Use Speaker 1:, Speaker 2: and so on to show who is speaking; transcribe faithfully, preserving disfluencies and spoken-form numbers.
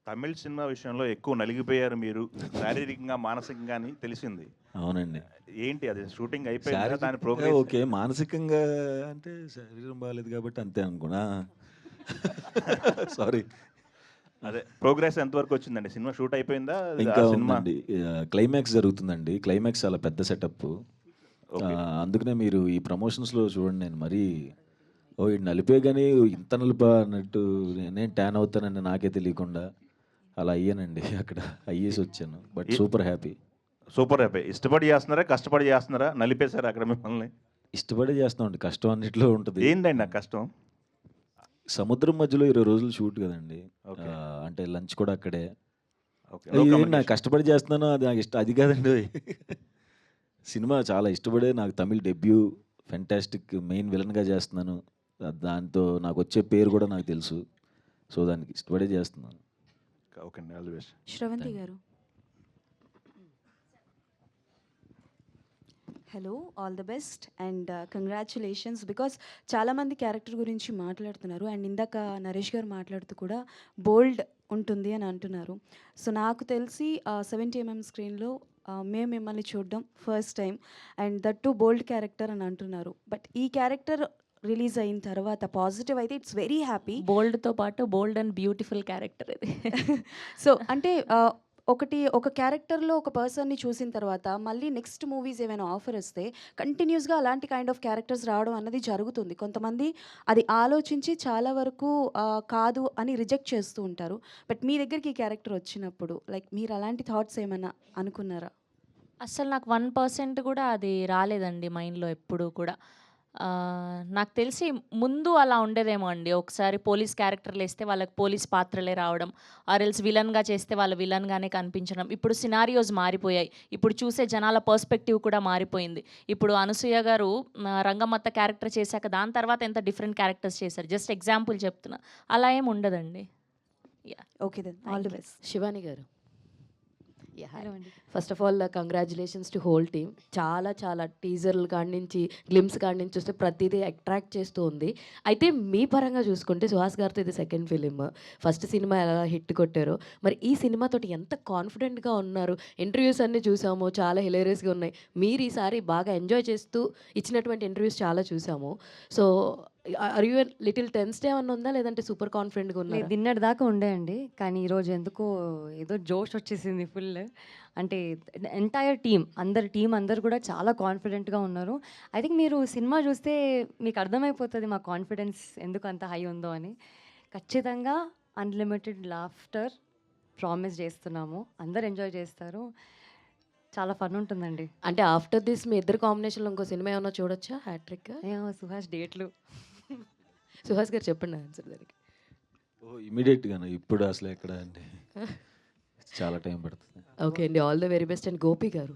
Speaker 1: Tamil cinema విషయంలో ఎక్కువ నలిగిపోయారు మీరు శారీరకంగా, మానసికంగా అని తెలిసింది.
Speaker 2: అవునండి.
Speaker 1: ఏంటి అది షూటింగ్ అయిపోయిందా? దాని
Speaker 2: శారీరకంగా
Speaker 1: ప్రోగ్రెస్
Speaker 2: ఓకే. మానసికంగా అంటే శరీరం బాలేదు కాబట్టి అంతే అనుకున్నా. సారీ.
Speaker 1: అదే ప్రోగ్రెస్ ఎంతవరకు వచ్చిందండి? సినిమా షూట్ అయిపోయిందా? ఆ
Speaker 2: ఇంకా
Speaker 1: సినిమా
Speaker 2: ఉందండి. ఆహ్, క్లైమాక్స్ జరుగుతుందండి. క్లైమాక్స్ చాలా పెద్ద సెటప్పు.
Speaker 1: ఓకే.
Speaker 2: ఆహ్, అందుకనే మీరు ఈ ప్రమోషన్స్‌లో చూడండి నేను మరీ ఓహ్! ఈడు నలిపే గాని ఇంత నలిపా అన్నట్టు నేనేం ట్యాన్ అవుతానని నాకే తెలియకుండా అలా అయ్యానండి అక్కడ. అయ్యేసొచ్చాను. But
Speaker 1: a
Speaker 2: super happy.
Speaker 1: Super happy. ఇష్టపడి చేస్తున్నారా? కష్టపడి చేస్తున్నారా? నలిపేసారా అక్కడ మిమ్మల్ని?
Speaker 2: ఇష్టపడే చేస్తామండి. కష్టం అన్నిట్లో ఉంటది.
Speaker 1: ఏందండి ఆ కష్టం?
Speaker 2: సముద్రం మధ్యలో ఇరవై రోజులు షూట్ కదండీ.
Speaker 1: ఓకే.
Speaker 2: ఆహ్, అంటే లంచ్ కూడా అక్కడే.
Speaker 1: ఓకే. నో
Speaker 2: ఏం నాకు
Speaker 1: కమ్యూనికేషన్.
Speaker 2: కష్టపడి చేస్తున్నాను అది నాకు ఇష్టం అది కాదండోయ్. సినిమా చాలా ఇష్టపడే నాకు తమిళ్ డెబ్యూ ఫెంటాస్టిక్ మెయిన్ విలన్‌గా చేస్తున్నాను. ఆహ్, దాంతో నాకొచ్చే పేరు కూడా నాకు తెలుసు. సో, దానికి ఇష్టపడే చేస్తున్నాను.
Speaker 1: ఓకే అండి. All the best.
Speaker 3: Shravanthi
Speaker 2: thank you.
Speaker 3: Garu. Hello, all the best and congratulations. Because చాలామంది క్యారెక్టర్ గురించి మాట్లాడుతున్నారు అండ్ ఇందాక నరేష్ గారు మాట్లాడుతూ కూడా బోల్డ్ ఉంటుంది అని అంటున్నారు. సో నాకు తెలిసి సెవెంటీ ఎంఎం స్క్రీన్లో మేము మిమ్మల్ని చూడడం first time and that too bold character అని అంటున్నారు. బట్ ఈ క్యారెక్టర్ రిలీజ్ అయిన తర్వాత పాజిటివ్ అయితే ఇట్స్ వెరీ హ్యాపీ.
Speaker 4: బోల్డ్‌తో పాటు బోల్డ్ అండ్ బ్యూటిఫుల్ క్యారెక్టర్ ఇది.
Speaker 3: సో అంటే ఆహ్, ఒకటి ఒక క్యారెక్టర్‌లో ఒక పర్సన్‌ని చూసిన తర్వాత మళ్ళీ నెక్స్ట్ మూవీస్ ఏమైనా ఆఫర్ వస్తే కంటిన్యూస్‌గా అలాంటి కైండ్ ఆఫ్ క్యారెక్టర్స్ రావడం అన్నది జరుగుతుంది. కొంతమంది అది ఆలోచించి చాలా వరకు ఆహ్, కాదు అని రిజెక్ట్ చేస్తూ ఉంటారు. బట్ మీ దగ్గరికి ఈ క్యారెక్టర్ వచ్చినప్పుడు లైక్ మీరు అలాంటి థాట్స్ ఏమైనా అనుకున్నారా?
Speaker 4: అస్సలు నాకు వన్ పర్సెంట్ కూడా అది రాలేదండి మైండ్‌లో ఎప్పుడూ కూడా. ఆహ్, నాకు తెలిసి ముందు అలా ఉండేదేమో అండి. ఒకసారి పోలీస్ క్యారెక్టర్‌లేస్తే వాళ్ళకి పోలీస్ పాత్రలే రావడం. ఆర్ ఎల్స్ విలన్‌గా చేస్తే వాళ్ళు విలన్‌గానే కనిపించడం. ఇప్పుడు సినారియోస్ మారిపోయాయి. ఇప్పుడు చూసే జనాల పర్స్పెక్టివ్ కూడా మారిపోయింది. ఇప్పుడు అనసూయ గారు ఆహ్, రంగమ్మత్త క్యారెక్టర్ చేశాక దాని తర్వాత ఎంత డిఫరెంట్ క్యారెక్టర్స్ చేశారు. జస్ట్ ఎగ్జాంపుల్ చెప్తున్నా. అలా ఏమి ఉండదండి. Yeah!
Speaker 3: Okay then all the best.
Speaker 5: Shivani garu. Yeah!
Speaker 4: Hello అండి.
Speaker 5: First of all congratulations to whole team. చాలా చాలా టీజర్‌ల కాడి నుంచి, గ్లిమ్స్ కాడి నుంచి చూస్తే ప్రతీదీ అట్రాక్ట్ చేస్తూ ఉంది. అయితే మీ పరంగా చూసుకుంటే సుహాస్ గారితో ఇది సెకండ్ ఫిలిం. ఫస్ట్ సినిమా ఎలా హిట్ కొట్టారో, మరి ఈ సినిమాతోటి ఎంత కాన్ఫిడెంట్‌గా ఉన్నారు? ఇంటర్వ్యూస్ అన్నీ చూసాము. చాలా హిలేరియస్‌గా ఉన్నాయి. మీరు ఈసారి బాగా ఎంజాయ్ చేస్తూ ఇచ్చినటువంటి ఇంటర్వ్యూస్ చాలా చూసాము. So, are you little tensed ఏమన్నా ఉందా? లేదంటే సూపర్ కాన్ఫిడెంట్‌గా ఉన్నారా?
Speaker 6: లేదు, నిన్నటి దాకా ఉండే అండి. కానీ ఈరోజు ఎందుకో ఏదో జోష్ వచ్చేసింది ఫుల్. అంటే ఎంటైర్ టీమ్ అందరు టీమ్ అందరు కూడా చాలా కాన్ఫిడెంట్‌గా ఉన్నారు. ఐ థింక్ మీరు సినిమా చూస్తే మీకు అర్థమైపోతుంది మా కాన్ఫిడెన్స్ ఎందుకు అంత హై ఉందో అని. ఖచ్చితంగా అన్‌లిమిటెడ్ లాఫ్టర్ ప్రామిస్ చేస్తున్నాము. అందరూ ఎంజాయ్ చేస్తారు. చాలా ఫన్ ఉంటుందండి.
Speaker 5: అంటే ఆఫ్టర్ దిస్ మీ ఇద్దరు కాంబినేషన్‌లో ఇంకో సినిమా ఏమన్నా చూడొచ్చా హ్యాట్రిక్?
Speaker 6: ఏమో సుహాస్ డేట్లు.
Speaker 5: సుహాస్ గారు చెప్పండి ఆన్సర్ దానికి.
Speaker 2: ఓహ్! ఇమ్మీడియేట్‌గానా? ఇప్పుడు అసలు ఎక్కడ అండి. చాలా టైం పడుతుంది.
Speaker 5: ఓకే అండి. All the very best and Gopi గారు.